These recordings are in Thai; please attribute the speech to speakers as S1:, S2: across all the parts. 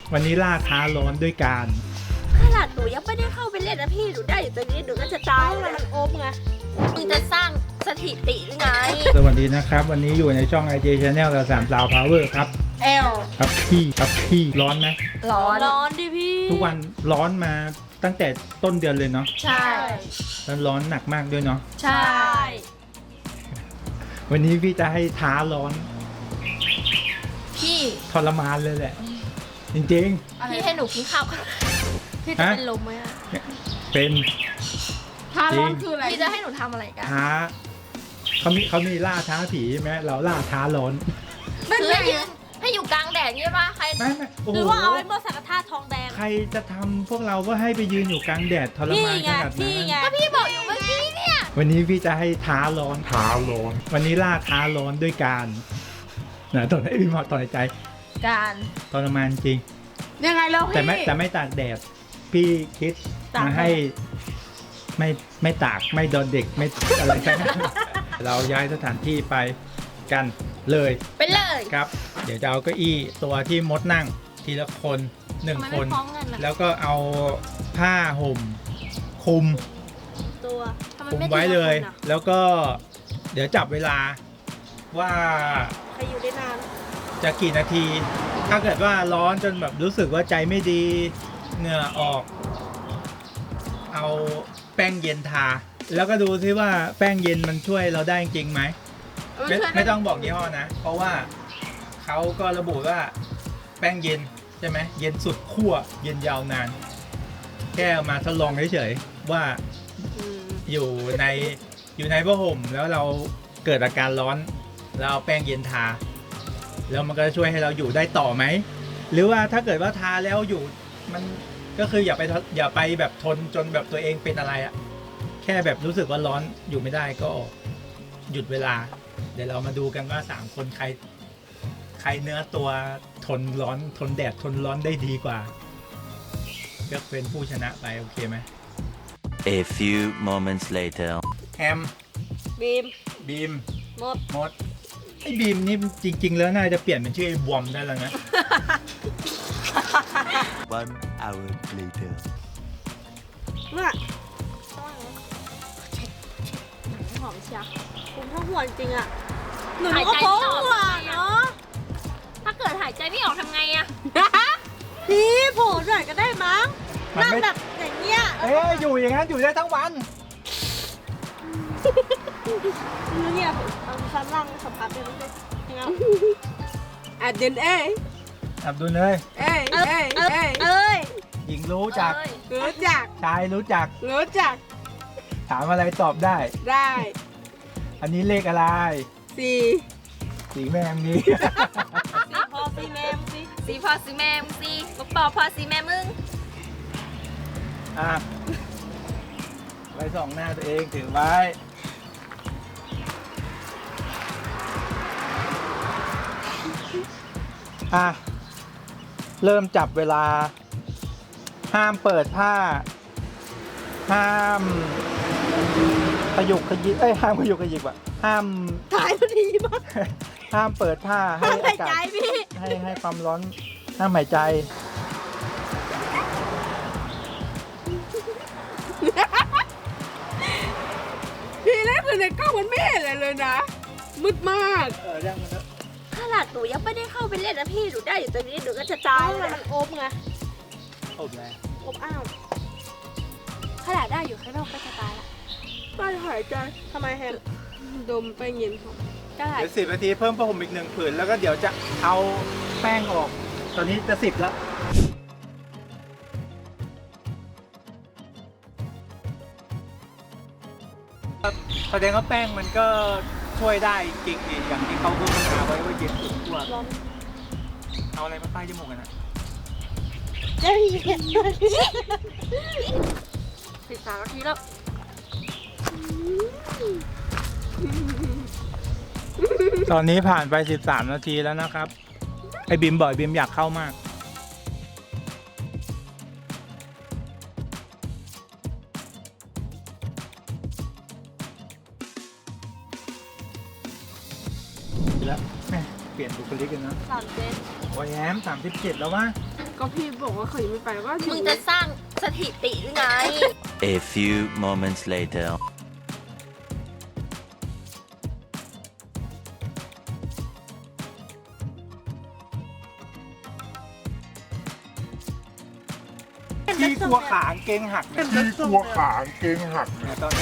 S1: วันนี้ล่าท้าร้อนด้วยการ
S2: ขนาดหนูยังไม่ได้เข้าไปเล่นนะพี่หนูได้อยู่ตรงนี้หนูก็จะตายแล้วมันอมไงมึงจะสร้างสถิติหรือไง
S1: สวัสดีนะครับ วันนี้อยู่ในช่อง IG Channel เรา3 สาว Power ครับ ครับพี่ร้อนไหม
S2: ร้อนดิพี่
S1: ทุกวันร้อนมาตั้งแต่ต้นเดือนเลยเนาะ
S2: ใช่
S1: แล้วร้อนหนักมากด้วยเนาะ
S2: ใช่
S1: วันนี้พี่จะให้ท้าร้อน
S2: พี่
S1: ทรมานเลยแหละ จริง
S2: พี่ให้หนูกินข้าวก่อนพี่จะเป็นลมไหมอะ
S1: ๆ เป็น
S3: ท้าร้อนคืออะไร
S2: พี่จะให้หนูทำอะไรกัน
S1: ท้าเขามีล่าท้าผีใช่ไหมเราล่าท้าร้อน
S2: คือให้อยู่กลางแดดใช่ปะใคร
S1: ไม่โอ้โห
S2: หรือว่าเอาไอ้หม้อสังกะทาทองแดง
S1: ใครจะทำพวกเราก็ให้ไปยืนอยู่กลางแดดทรมานขนาดนั้น
S2: ก็พี่บอกอยู่เมื่อกี้เนี่ย
S1: วันนี้พี่จะให้ท้าร้อน วันนี้ล่าท้าร้อนด้วยการนะตอนนี้พี่หมอต่อยใจ
S2: การ
S1: ทรมานจริง
S3: ยังไงแล้วพี่
S1: แต่ไม่ตากแดด พี่คิดมาให้ไม่ตากไม่โดนเด็กไม่อะไรทั้งนั้น เราย้ายสถานที่ไปกันเลย
S2: ไปเลย
S1: ครับ เดี๋ยวจะเอาเก้าอี้ตัวที่มดนั่งทีละคนหนึ่ง
S2: ทำไม
S1: ค
S2: ไม่
S1: น
S2: พร้อมกันอะ
S1: แล้วก็เอาผ้าห่มคลุม
S2: ตัวทำไม
S1: คลุม
S2: ไม่
S1: ไว้เลย
S2: ทีะคนอะ
S1: แล้วก็เดี๋ยวจับเวลาว่า
S2: ใครอยู่ได้นาน
S1: จะกี่นาที ถ้าเกิดว่าร้อนจนแบบรู้สึกว่าใจไม่ดีเหงื่อออก เอาแป้งเย็นทา แล้วก็ดูซิว่าแป้งเย็นมันช่วยเราได้จริงไหม ไม่ต้องบอกยี่ห้อนะ เพราะว่าเขาก็ระบุว่าแป้งเย็นใช่ไหมเย็นสุดขั้วเย็นยาวนาน แค่เอามาทดลองเฉยๆว่าอยู่ในผ้าห่มแล้วเราเกิดอาการร้อนแล้วเอาแป้งเย็นทา แล้วมันก็จะช่วยให้เราอยู่ได้ต่อไหม หรือว่าถ้าเกิดว่าทาแล้วอยู่มันก็คืออย่าไปแบบทนจนแบบตัวเองเป็นอะไรอะแค่แบบรู้สึกว่าร้อนอยู่ไม่ได้ก็หยุดเวลา เดี๋ยวเรามาดูกันว่า3คนใครเนื้อตัวทนร้อนทนแดดทนร้อนได้ดีกว่าก็เป็นผู้ชนะไปโอเคไหม
S4: A few moments later.
S1: แฮม
S2: บีม
S1: บีม
S2: มด
S1: ไอ้บีมนี่จริง ๆ แล้วน่าจะเปลี่ยนเป็นชื่อไอ้บอมได้แล้วนะ
S4: 1 hour later.
S2: เนี่ยหอมเชียวคุณทั้งหัวจริงอะหนูก็โป๊ะหัวเนาะถ้าเกิดหายใจไม่ออกทำไงอะพี่โผล่หน่อยก็ได้มั้ง
S1: มัน
S2: นั่ง
S1: ไม่
S2: แบบอย่างเงี้ย
S1: อยู่อย่างนั้นอยู่ได้ทั้งวัน
S2: เงียบเอาชั้นล่างสัมผัสได้ไหมยังไง
S3: อัดเดนเอ้ย
S1: อับดุลเลย
S3: เอ้ยเอ้ยเอ้ย
S2: เอ้ย
S1: หญิงรู้จัก
S3: รู้จัก
S1: ชายรู้จัก
S3: รู้จัก
S1: ถามอะไรตอบได้
S3: ได้
S1: อันนี้เลขอะไร
S3: สี่
S1: สีแมงนี้
S2: พอซีแม่มึงสิ
S5: สีพอสีแม่มึงสิบอกปอพอสีแม่มึง
S1: อ่ะไว้ส่องหน้าตัวเองถือไว้อ่ะเริ่มจับเวลา ห้ามเปิดผ้า ห้ามขยุกขยิบห้ามขยุกขยิบอ่ะห้าม
S2: ถ่ายพอดีมาก
S1: ห้ามเปิดผ้าให้
S2: หา
S1: อาย กา
S2: ใจ
S1: ศ
S2: พี่
S1: ให้ความร้อนห้ามหายใจ
S3: พี่เล่นคือในกล้องมันไม่เห็นอะไรเลยนะ มืดมาก
S1: เรื่องมัน
S2: ขนาดหนูยังไม่ได้เข้าไปเล่นนะพี่หนูได้อยู่ตรงนี้หนูก็จะตายแล้วมันอมไง
S1: อบแล้ว
S2: อมอ้าวขนาดได้อยู่ข้างนอกก็จะตายละ
S3: ไม่หายใจ
S2: ทำไมแฮม
S3: ดมไปเย็นของ
S2: ก็หาย
S1: เดี๋ยว10 นาทีเพิ่มผ้าห่มอีก1 ผืนแล้วก็เดี๋ยวจะเอาแป้งออก ตอนนี้จะ10แล้วแสดงว่าแป้งมันก็ช่วยได้จริงดีอย่างที่เขาโฆษณาไว้ว่าเย็นสุดขั้ว
S2: ร้อน
S1: เอาอะไรมาป้ายจมูกกันนะ
S2: ได้ยิน13 นาทีแล้ว
S1: ตอนนี้ผ่านไป13 นาทีแล้วนะครับ ไอ้บิมบอกบิมอยากเข้ามาก แล้วแม่เปลี่ยนบุคลิกกันนะ
S2: 3 เซน
S1: โอ้ยแอม37 แล้ววะ
S3: ก็พี่บอกว่าเขายังไม่ไปก็อยู่
S5: มึงจะสร้างสถิติหรือไง
S4: A few moments later.
S1: ที่กลัวขางเกงหักเนี่ย
S6: ที่กลัวขางเกงหัก
S1: ตอนนี้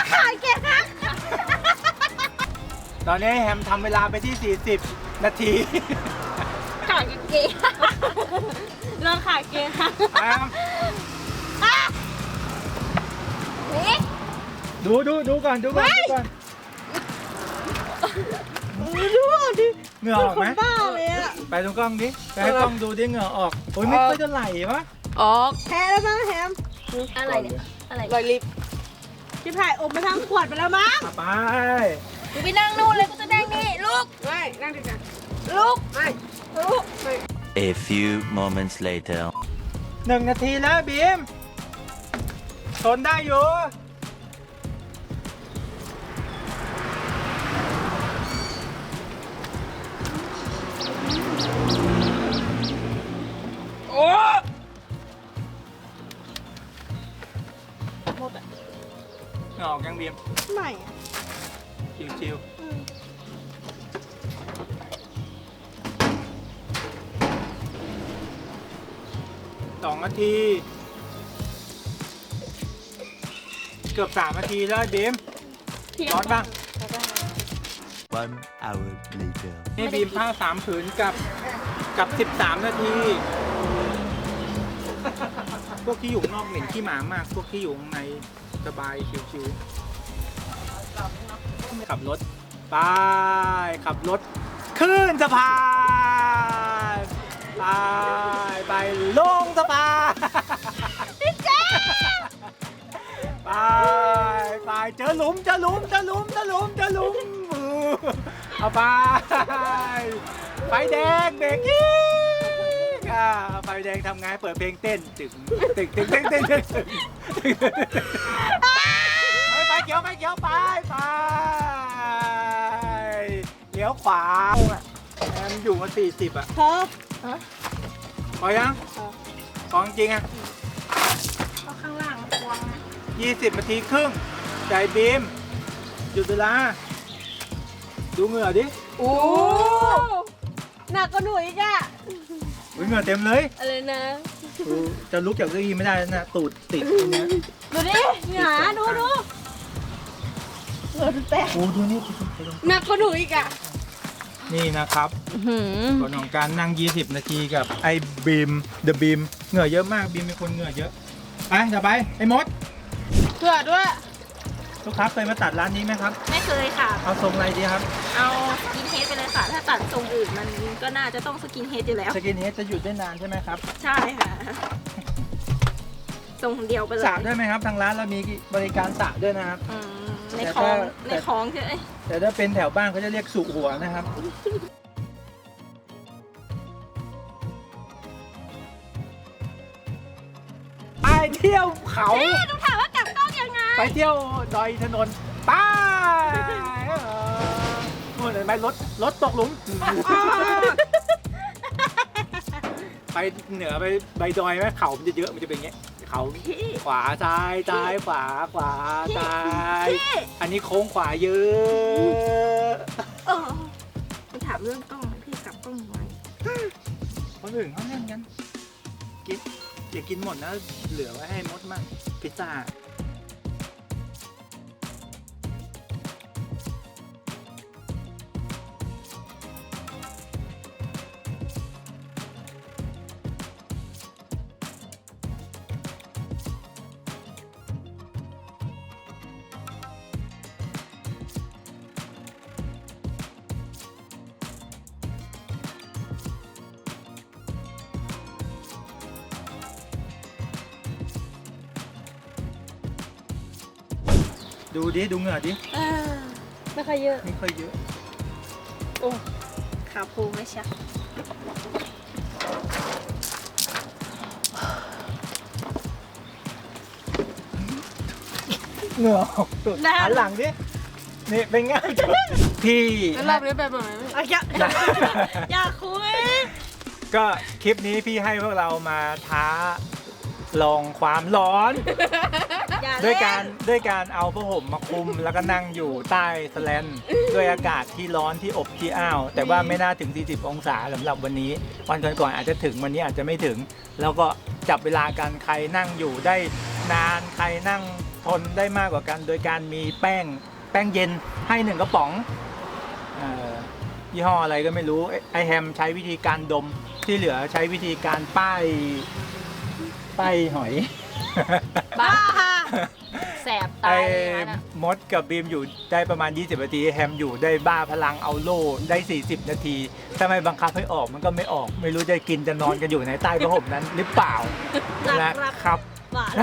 S1: ตอนนี้แฮมทำเวลาไปที่ 40 นาที
S5: ขายกางเกง
S2: เรื่องขาเกงค่ะ
S1: แฮม
S5: นี่
S1: ดูก่อนดูก่อน
S2: ดูดิ
S1: เหงื่อออกไหม
S2: บ้าเลยอะ
S1: ไปตรงกล้องดิไปให้กล้องดูดิเหงื่อออกโอ้ยไม่ค่อยจะไหลวะ
S3: ออก
S2: แพ้แล้วมั้งแฮม
S5: อะไรเนี่ยอะไร
S3: รอยลิฟต์
S2: พี่ไผ่อมไปทางขวดไปแล้วมั้ง
S1: ไป
S5: กูไปนั่งนู่นเลยกูจะนั่งนี่ลูก
S3: ไม่นั่งดีกัน
S5: ลูก
S3: ไม่
S5: ลูก
S3: ไม่
S4: A few moments later.
S1: 1 นาทีแล้วบีมทนได้อยู่โอ้หมดอ่ะเหงื่อออกยังบีม
S2: ไม่อะ
S1: ชิวๆ2 นาที เกือบ 3 นาทีแล้วบีมร้อนบ้าง
S4: 1 hour later.
S1: นี่บีมผ้า3 ผืนกับ 13 นาที พวกที่อยู่ข้างนอกเหม็นขี้หมามาก พวกที่อยู่ข้างในสบายชิวๆขับรถไปขับรถขึ้นสะพานไปลงสะพานไปเจอหลุมเอาไปไฟแดงเบรกอีกไฟแดงทำไงเปิดเพลงเต้นตึงไฟเขียวไปเลี้ยวขวาแอมอยู่มา40อ่ะ
S2: เธอ
S1: พอยังพอจริงอ่ะ
S5: เอาข้างล่างควง
S1: 20 นาทีครึ่งใจบีมหยุดเวลาดูเหงื่อดิ
S2: โอ้หนักกว่าหนูอีกอะ
S1: อุ๊ยเหงื่อเต็มเลย
S2: อะไรนะ
S1: จะลุกจากเก้าอี้ไม่ได้แล้วนะตูดติดตรงเนี้ย
S2: ดูดิหงาดูเออดูแตก
S1: โอ้ดูนี่
S3: หนักกว่าหนูอีกอ่ะ
S1: นี่นะครับผลของการนั่ง 20 นาทีกับไอ้บีมเดอะบีมเหงื่อเยอะมากบีมเป็นคนเหงื่อเยอะไปต่อไปไอ้มด
S3: เผื่อด้วย
S1: ลูกค้าเคยมาตัดร้านนี้ไหมครับ
S5: ไม่เคยค่ะ
S1: เอาทรงอะไรดีครับ
S5: เอาสกินเฮดไปเลยค่ะ ถ้าตัดทรงอื่นมันก็น่าจะต้องสกินเฮดอยู่แล้ว
S1: สกินเฮดจะหยุดได้นานใช่ไหมครับ
S5: ใช่ค่ะ ทรงเดียวไปเลย
S1: สระด้วยไหมครับทางร้านเรามีบริการสระด้วยนะครับ
S5: อืมในคลองในคลองใช่ไหม
S1: แต่ถ้าเป็นแถวบ้านเขาจะเรียกสุหัวนะครับ ไปเที่ยวเขา
S5: ต้องถามว่ากลับกล้องยังไง
S1: ไปเที่ยวดอยถนนไปนู่นเห็นไหมรถตกหลุม ไปเหนือไปดอยไหมเขามันจะเยอะมันจะเป็นอย่างเงี้ยเขาขวาซ้ายขวาซ้ายอันนี้โค้งขวาเยอะ
S5: เออต้องถามเรื่องกล้องพี่กลับกล้องไว้
S1: คนอื่นเขาเล่นกันกินอย่ากินหมดนะเหลือไว้ให้มดมั่งพิซซ่า ดูดิดูเหงื่อดิ
S2: ไม่ค่อยเยอะ
S1: ไม่ค่อยเยอะ
S5: ขาพูไม่ใช่
S1: เหงื่อออกตุดหันหลังดินี่เป็นไงพี่
S3: แล้วรอบนี้ไปแบบไหน
S2: อยากคุย
S1: ก็คลิปนี้พี่ให้พวกเรามาท้าลองความร้อน
S2: อย่า
S1: ด้วย
S2: เล่
S1: การ
S2: น
S1: ด้วยการเอาผ้าห่มมาคลุมแล้วก็นั่งอยู่ใต้สแลนด้วยอากาศที่ร้อนที่อบที่อ้าว แต่ว่าไม่น่าถึง 40 องศาสำหรับวันนี้ วันก่อนๆอาจจะถึงวันนี้อาจจะไม่ถึง แล้วก็จับเวลากันใครนั่งอยู่ได้นานใครนั่งทนได้มากกว่ากัน โดยการมีแป้งเย็นให้1กระป๋องยี่ห้ออะไรก็ไม่รู้ไอแฮมใช้วิธีการดมที่เหลือใช้วิธีการป้ายหอย
S5: บ้าแสบตา
S1: ไอ้
S5: เลยนะ
S1: มดกับบีมอยู่ได้ประมาณ 20 นาทีแฮมอยู่ได้บ้าพลังเอาโล่ได้ 40 นาทีถ้าไม่บังคับให้ออกมันก็ไม่ออก ไม่รู้จะกินจะนอนกันอยู่ในใต้ผ้าห่มนั้นหรือเปล่านะครับ
S2: หวาน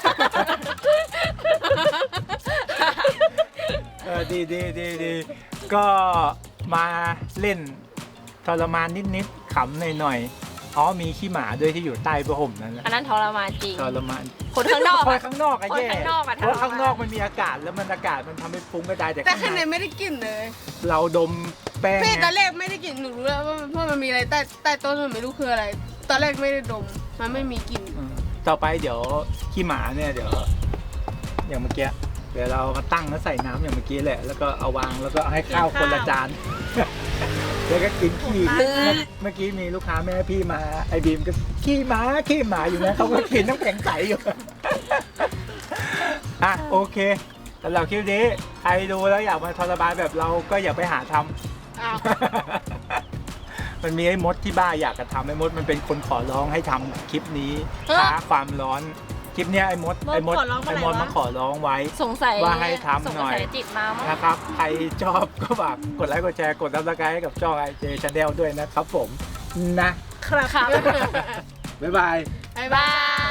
S1: ดีก็มาเล่นทรมานนิดๆขำหน่อยๆอ๋อมีขี้หมาด้วยที่อยู่ใต้ผ้าห่มนั้นนะ
S5: อันนั้นทรมานจริง
S1: ทรมาน
S5: คนข้างนอก
S1: ค
S5: อะ
S1: นข้างนอกอะ
S5: คน
S1: แย่
S5: ข้างนอกอะ
S1: เพราะ
S5: ทรมาน
S1: ข้างนอกมันมีอากาศแล้วมันอากาศมันทำให้ฟุ้งกระจายแต่
S3: แต่
S1: ข้าง
S3: ข้าง
S1: ใน
S3: ในไม่ได้กลิ่นเลย
S1: เราดมแป้ง
S3: พี่
S1: ไง
S3: ตอนแรกไม่ได้กลิ่นหนูรู้แล้วว่าเพราะมันมีอะไรใต้ต้นมันไม่รู้คืออะไร ตอนแรกไม่ได้ดมมันไม่มีกลิ่น
S1: ต่อไปเดี๋ยวขี้หมาเนี่ยเดี๋ยวอย่างเมื่อกี้เดี๋ยวเรามาตั้งแล้วใส่น้ำอย่างเมื่อกี้แหละ แล้วก็เอาวางแล้วก็ให้ข้าวคนละจาน แล้วก็กินขี้เมื่อกี้มีลูกค้าแม่พี่มาไอ้บีมก็ขี้หมาอยู่นะเขาก็กินน้ำแข็งใสอยู่ อ่ะโอเคสำหรับคลิปนี้ใครดูแล้วอยากมาทรมานแบบเราก็อย่าไปหาทำ
S3: อ้าว
S1: มันมีไอ้มดที่บ้าอยากจะทำไอ้มดมันเป็นคนขอร้องให้ทำคลิปนี้ท้าความร้อนคลิปเนี้ยไอ้มดมาขอร้องไว้
S5: สงสัย
S1: ว่าให้ทำหน่อย
S5: สงสัจิตมามั้ง
S1: นะครับใครชอบก็ฝากกดไลค์กดแชร์กดซับสไครต์ให้กับช่อง IJ Channel ด้วยนะครับผมนะครับ
S5: ครับ
S1: บ๊ายบาย
S3: บ๊ายบาย